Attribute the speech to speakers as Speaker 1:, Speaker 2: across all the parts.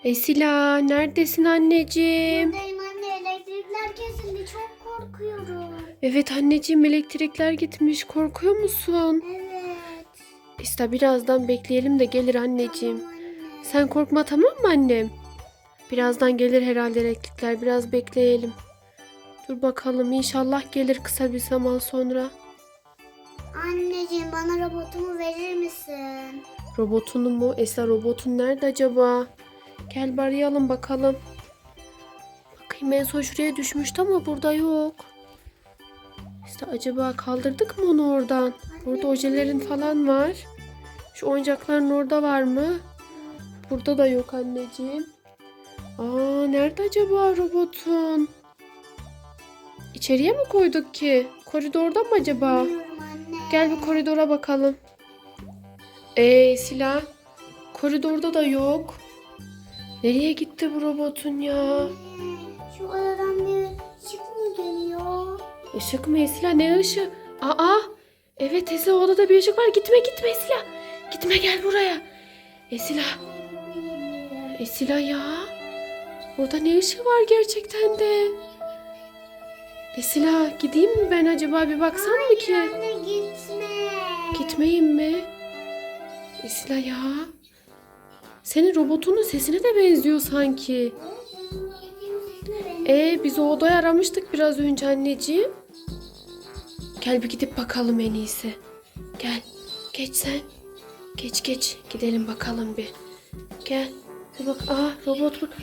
Speaker 1: Esila neredesin anneciğim?
Speaker 2: Buradayım anne, elektrikler kesildi, çok korkuyorum.
Speaker 1: Evet anneciğim, elektrikler gitmiş. Korkuyor musun?
Speaker 2: Evet.
Speaker 1: İşte birazdan bekleyelim de gelir anneciğim.
Speaker 2: Tamam anne.
Speaker 1: Sen korkma, tamam mı annem? Birazdan gelir herhalde elektrikler. Biraz bekleyelim. Dur bakalım, inşallah gelir kısa bir zaman sonra.
Speaker 2: Anneciğim, bana robotumu verir misin?
Speaker 1: Robotunu mu? Esra, robotun nerede acaba? Gel bir arayalım bakalım. Bakayım, en son şuraya düşmüştü ama burada yok. İşte acaba kaldırdık mı onu oradan? Burada ojelerin falan var. Şu oyuncakların orada var mı? Burada da yok anneciğim. Aa, nerede acaba robotun? İçeriye mi koyduk ki? Koridorda mı acaba?
Speaker 2: Bilmiyorum anne.
Speaker 1: Gel bir koridora bakalım. Silah. Koridorda da yok. Nereye gitti bu robotun ya?
Speaker 2: Anne, şu odadan bir ışık mı geliyor?
Speaker 1: Işık mı Esila? Ne ışığı? Aa! Evet Esila, odada bir ışık var. Gitme Esila. Gitme, gel buraya. Esila. Esila ya. Burada ne ışığı var gerçekten de? Esila, gideyim mi ben acaba, bir baksam mı ki?
Speaker 2: Anne, gitme.
Speaker 1: Gitmeyeyim mi? Esila ya. Senin robotunun sesine de benziyor sanki. Biz o odayı aramıştık biraz önce anneciğim. Gel bir gidip bakalım en iyisi. Gel. Geç sen. Geç. Gidelim bakalım bir. Gel. Bir bak. Robot bu.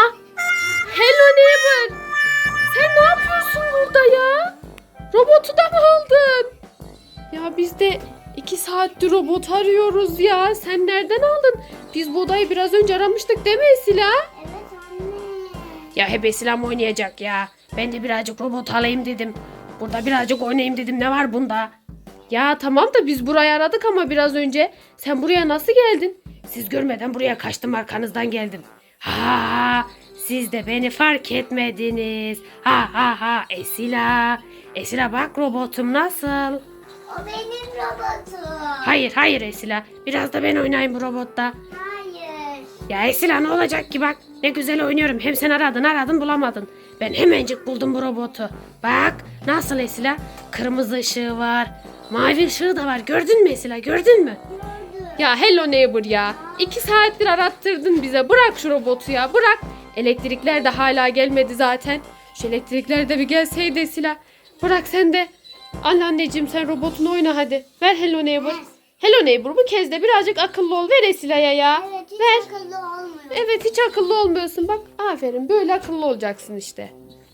Speaker 1: Hello neighbor. Sen ne yapıyorsun burada ya? Robotu da mı aldın? Ya biz de 2 saattir robot arıyoruz ya. Sen nereden aldın? Biz bu odayı biraz önce aramıştık değil mi Esila?
Speaker 2: Evet anne.
Speaker 1: Ya hep Esila oynayacak ya. Ben de birazcık robot alayım dedim. Burada birazcık oynayayım dedim. Ne var bunda? Ya tamam da biz burayı aradık ama biraz önce. Sen buraya nasıl geldin? Siz görmeden buraya kaçtım, arkanızdan geldim. Ha, siz de beni fark etmediniz. Ha Esila. Esila bak, robotum nasıl?
Speaker 2: O benim robotum.
Speaker 1: Hayır Esila. Biraz da ben oynayayım bu robotta.
Speaker 2: Hayır.
Speaker 1: Ya Esila, ne olacak ki bak. Ne güzel oynuyorum. Hem sen aradın bulamadın. Ben hemencik buldum bu robotu. Bak nasıl Esila. Kırmızı ışığı var. Mavi ışığı da var. Gördün mü Esila, gördün mü?
Speaker 2: Gördüm.
Speaker 1: Ya hello neighbor ya. 2 saattir arattırdın bize. Bırak şu robotu ya, bırak. Elektrikler de hala gelmedi zaten. Şu elektrikler de bir gelseydi Esila. Bırak sen de. Al anneciğim, sen robotunu oyna hadi. Ver hello neighbor.
Speaker 2: Ver.
Speaker 1: Hello neighbor, bu kez de birazcık akıllı ol. Ver Esila'ya ya.
Speaker 2: Evet, hiç
Speaker 1: Ver.
Speaker 2: akıllı olmuyor.
Speaker 1: Evet, hiç akıllı olmuyorsun. Bak aferin, böyle akıllı olacaksın işte.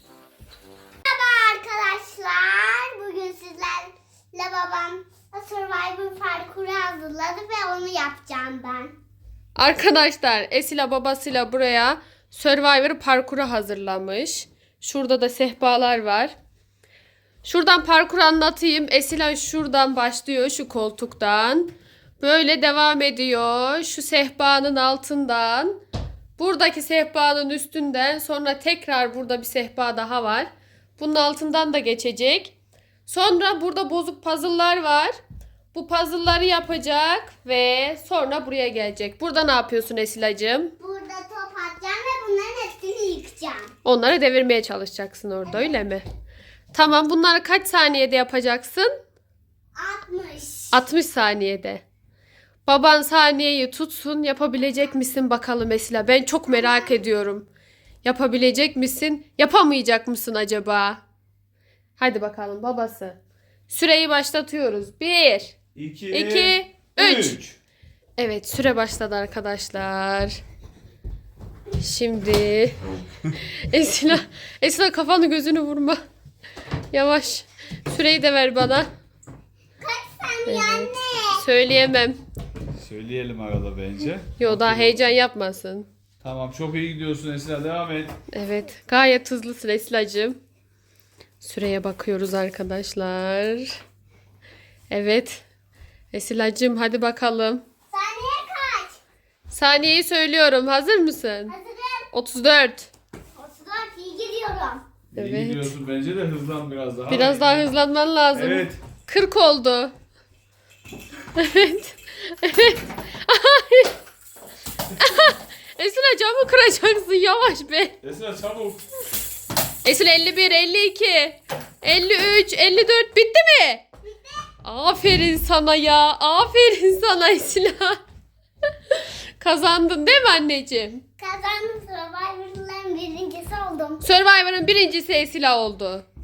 Speaker 2: Merhaba arkadaşlar. Bugün sizlerle babam Survivor parkuru hazırladı ve onu yapacağım ben.
Speaker 1: Arkadaşlar, Esila babasıyla buraya Survivor parkuru hazırlamış. Şurada da sehpalar var. Şuradan parkuru anlatayım. Esila şuradan başlıyor, şu koltuktan. Böyle devam ediyor. Şu sehpanın altından. Buradaki sehpanın üstünden. Sonra tekrar burada bir sehpa daha var. Bunun altından da geçecek. Sonra burada bozuk puzzle'lar var. Bu puzzle'ları yapacak ve sonra buraya gelecek. Burada ne yapıyorsun Esilacığım?
Speaker 2: Burada top atacağım ve bunların hepsini yıkacağım.
Speaker 1: Onları devirmeye çalışacaksın orada, öyle mi? Tamam, bunları kaç saniyede yapacaksın?
Speaker 2: 60.
Speaker 1: 60 saniyede. Baban saniyeyi tutsun, yapabilecek misin bakalım Esila? Ben çok merak ediyorum. Yapabilecek misin? Yapamayacak mısın acaba? Hadi bakalım babası. Süreyi başlatıyoruz. 1, 2, 3. Evet, süre başladı arkadaşlar. Şimdi Esila kafanı gözünü vurma. Yavaş. Süreyi de ver bana.
Speaker 2: Kaç saniye anne?
Speaker 1: Söyleyemem.
Speaker 3: Söyleyelim arada bence.
Speaker 1: Yo, daha heyecan yapmasın.
Speaker 3: Tamam, çok iyi gidiyorsun Esra, devam et.
Speaker 1: Evet, gayet hızlısın Esilacığım. Süreye bakıyoruz arkadaşlar. Evet. Esilacığım hadi bakalım.
Speaker 2: Saniye kaç?
Speaker 1: Saniyeyi söylüyorum. Hazır mısın?
Speaker 2: Hazırım.
Speaker 1: 34.
Speaker 2: 34, iyi gidiyorum.
Speaker 3: İyi
Speaker 1: Evet.
Speaker 3: gidiyorsun, bence de hızlan biraz daha.
Speaker 1: Biraz daha hızlanman lazım.
Speaker 3: Evet.
Speaker 1: 40 oldu. Evet. Evet. Esila camı kıracaksın yavaş be.
Speaker 3: Esila çabuk.
Speaker 1: Esila 51, 52, 53, 54 bitti mi? Bitti. Aferin sana ya. Aferin sana Esila. Kazandın değil mi anneciğim?
Speaker 2: Kazandım, Survivor'ların birincisi oldum.
Speaker 1: Survivor'ın birincisi Esila oldu.